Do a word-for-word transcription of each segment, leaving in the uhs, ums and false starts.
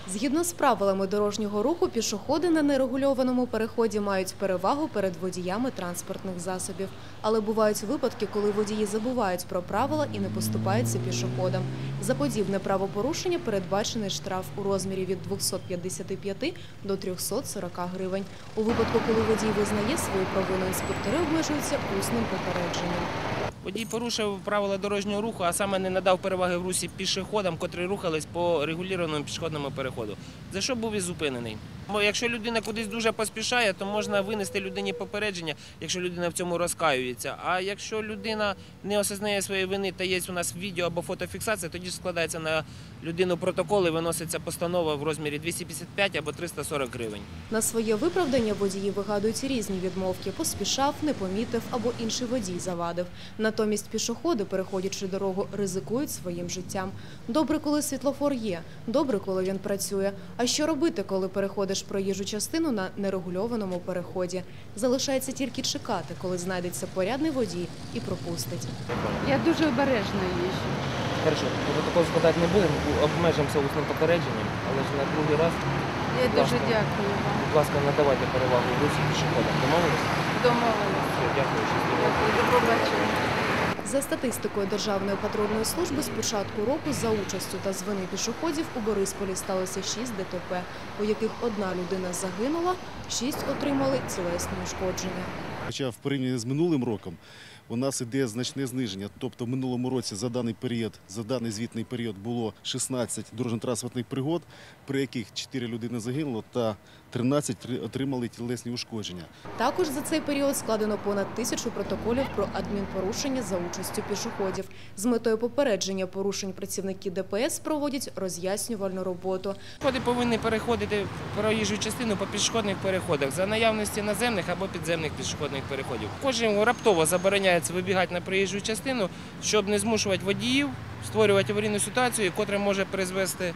Згідно з правилами дорожнього руху, пішоходи на нерегульованому переході мають перевагу перед водіями транспортних засобів. Але бувають випадки, коли водії забувають про правила і не поступаються пішоходам. За подібне правопорушення передбачений штраф у розмірі від двохсот п'ятдесяти п'яти до трьохсот сорока гривень. У випадку, коли водій визнає свою провину, інспектори обмежуються усним попередженням. Водій порушив правила дорожнього руху, а саме не надав переваги в русі пішоходам, котрі рухались по регулюваному пішохідному переходу, за що був і зупинений. Бо якщо людина кудись дуже поспішає, то можна винести людині попередження, якщо людина в цьому розкаюється. А якщо людина не осознає своєї вини та є у нас відео або фотофіксація, тоді складається на людину протокол і виноситься постанова в розмірі двісті п'ятдесят п'ять або триста сорок гривень. На своє виправдання водії вигадують різні відмовки – поспішав, не помітив або інший водій завадив. Натомість пішоходи, переходячи дорогу, ризикують своїм життям. Добре, коли світлофор є, добре, коли він працює. А що робити, коли переходиш проїжджу частину на нерегульованому переході? Залишається тільки чекати, коли знайдеться порядний водій і пропустить. Я дуже обережно їжджу. Хорошо, протокол складати не будемо, обмежимося усним попередженням, але ж на другий раз, Я будь дуже ласка, дякую вам. будь ласка, надавайте перевагу в русі пішоходам. Домовились? Домовилися. Все, дякую, щасливо. Дякую, до побачення. За статистикою Державної патрульної служби, з початку року за участю та з вини пішоходів у Борисполі сталося шість Д Т П, у яких одна людина загинула, шість отримали тілесні ушкодження. Хоча в порівнянні з минулим роком у нас іде значне зниження. Тобто в минулому році за даний період, за даний звітний період було шістнадцять дорожньо-транспортних пригод, при яких чотири людини загинуло та тринадцять отримали тілесні ушкодження. Також за цей період складено понад тисячу протоколів про адмінпорушення за участю пішоходів. З метою попередження порушень працівники Д П С проводять роз'яснювальну роботу. Пішоходи повинні переходити проїжджу частину по пішохідних переходах за наявності наземних або підземних пішохідних переходів. Кожен раптово забороняється вибігати на проїжджу частину, щоб не змушувати водіїв створювати аварійну ситуацію, яка може призвести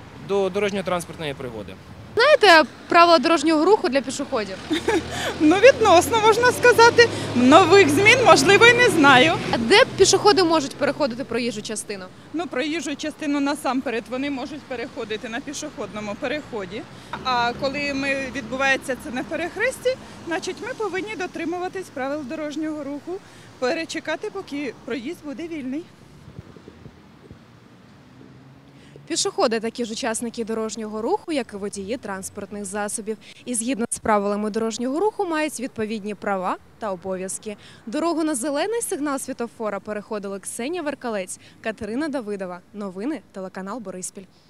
до дорожньо-транспортної пригоди. Знаєте правила дорожнього руху для пішоходів? Ну, відносно, можна сказати. Нових змін, можливо, і не знаю. А де пішоходи можуть переходити проїжджу частину? Ну, проїжджу частину насамперед вони можуть переходити на пішохідному переході. А коли ми відбувається це на перехресті, значить ми повинні дотримуватись правил дорожнього руху, перечекати, поки проїзд буде вільний. Пішоходи – такі ж учасники дорожнього руху, як і водії транспортних засобів. І згідно з правилами дорожнього руху мають відповідні права та обов'язки. Дорогу на зелений сигнал світлофора переходили Ксенія Веркалець, Катерина Давидова. Новини, телеканал Бориспіль.